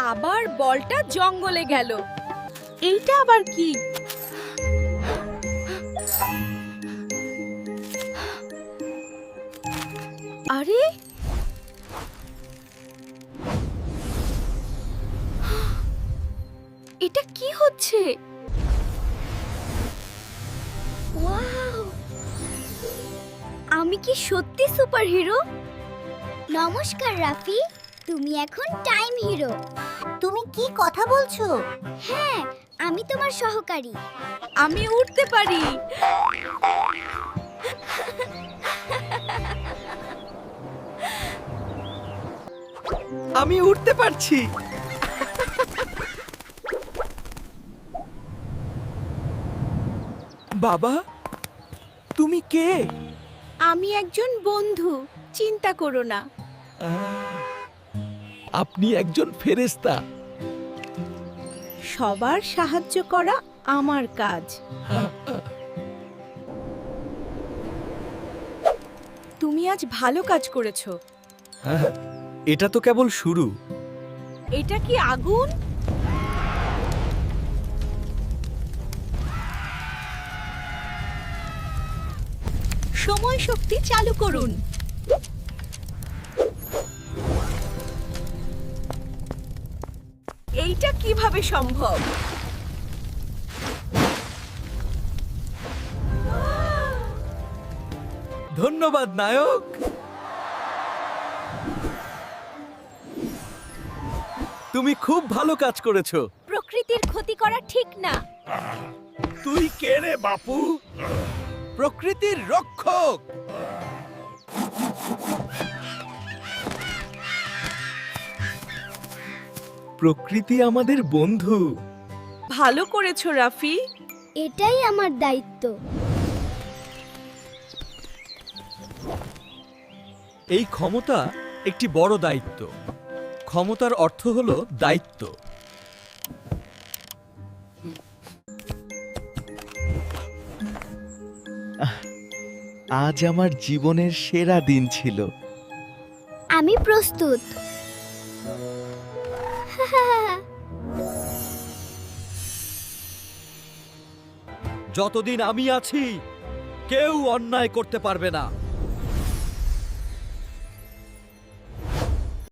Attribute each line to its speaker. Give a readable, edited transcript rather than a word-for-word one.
Speaker 1: আবার বলটা জঙ্গলে গেল। এইটা আবার কি? আরে এটা কি হচ্ছে?
Speaker 2: ওয়াও! আমি কি সত্যি সুপারহিরো? নমস্কার রাফি, তুমি এখন টাইম হিরো।
Speaker 3: তুমি কি কথা বলছো?
Speaker 2: হ্যাঁ, আমি তোমার সহকারী।
Speaker 1: আমি উঠতে পারি।
Speaker 4: আমি উঠতে পারছি। বাবা, তুমি কে?
Speaker 1: আমি একজন বন্ধু, চিন্তা করো না।
Speaker 4: আপনি একজন ফেরেশতা।
Speaker 1: সবার সাহায্য করা আমার কাজ। তুমি আজ ভালো কাজ করেছো।
Speaker 4: এটা তো কেবল শুরু।
Speaker 1: এটা কি আগুন? সময় শক্তি চালু করুন। এইটা কিভাবে সম্ভব?
Speaker 4: ধন্যবাদ নায়ক। তুমি খুব ভালো কাজ করেছো।
Speaker 1: প্রকৃতির ক্ষতি করা ঠিক না।
Speaker 4: তুই কে রে বাপু? প্রকৃতির রক্ষক। প্রকৃতি আমাদের বন্ধু।
Speaker 1: ভালো করেছো রাফি।
Speaker 2: এটাই আমার দায়িত্ব।
Speaker 4: এই ক্ষমতা একটি বড় দায়িত্ব। ক্ষমতার অর্থ হলো দায়িত্ব। আজ আমার জীবনের সেরা দিন ছিল।
Speaker 2: আমি প্রস্তুত।
Speaker 4: যতদিন আমি আছি কেউ অন্যায় করতে পারবে না।